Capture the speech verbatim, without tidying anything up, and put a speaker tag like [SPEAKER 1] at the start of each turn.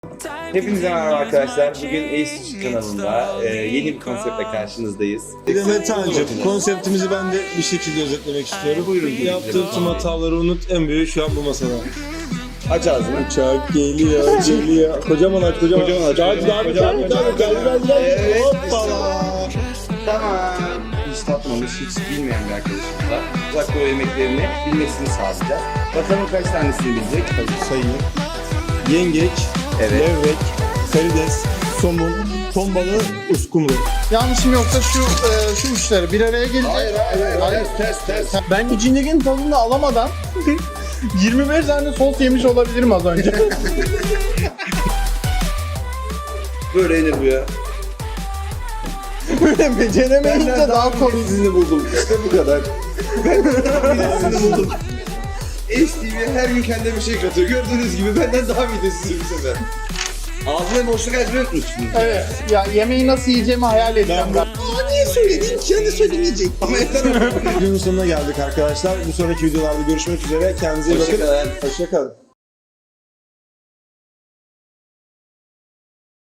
[SPEAKER 1] Hepinize merhaba arkadaşlar. Bugün Ace kanalında e, yeni bir konseptle karşınızdayız.
[SPEAKER 2] Metancım, konseptimizi ben de bir şekilde özetlemek istiyorum.
[SPEAKER 1] Buyurun.
[SPEAKER 2] Yaptığın tüm hataları unut, en büyüğü şu an bu masada.
[SPEAKER 1] Aç ağzını.
[SPEAKER 2] Uçak geliyor, geliyor. Kocaman aç, kocaman,
[SPEAKER 1] Kocaman aç.
[SPEAKER 2] Hadi, hadi, hadi, hadi, hadi, hadi, hadi.
[SPEAKER 1] Evet.
[SPEAKER 2] Hoppala.
[SPEAKER 1] Tamam. Hiç tatmamış, hiç bilmeyen bir arkadaşımıza uzak doğu yemeklerini bilmesini sağlayacağız. Bakalım kaç tanesini bilecek.
[SPEAKER 2] Sayayım. Yengeç,
[SPEAKER 1] Evet.
[SPEAKER 2] levrek, karides, somun, ton balığı, uskumru.
[SPEAKER 3] Yanlışım yoksa şu e, şu üçleri bir araya gelecek.
[SPEAKER 1] Hayır, hayır, hayır. Ters, ters, ters.
[SPEAKER 3] Ben içindekinin tadını alamadan yirmi beş tane sos yemiş olabilirim az önce.
[SPEAKER 1] Böyle yenir bu ya.
[SPEAKER 3] Böyle beceremeyince daha komik.
[SPEAKER 1] Sizini buldum. İşte bu kadar. Ben sizini buldum. Ace T V her gün kendine bir şey katıyor. Gördüğünüz gibi benden daha midesiz bir sefer. Ağzına boşluk açmayı unutmuşsunuz.
[SPEAKER 3] Evet. Ya yemeği nasıl yiyeceğimi hayal edeceğim ben.
[SPEAKER 1] Aa niye söyledin? Kendi söylemeyecek. Ama yeter artık.
[SPEAKER 2] Videonun sonuna geldik arkadaşlar. Bu sonraki videolarda görüşmek üzere. Kendinize iyi bakın.
[SPEAKER 1] Hoşçakalın.
[SPEAKER 2] Hoşçakalın.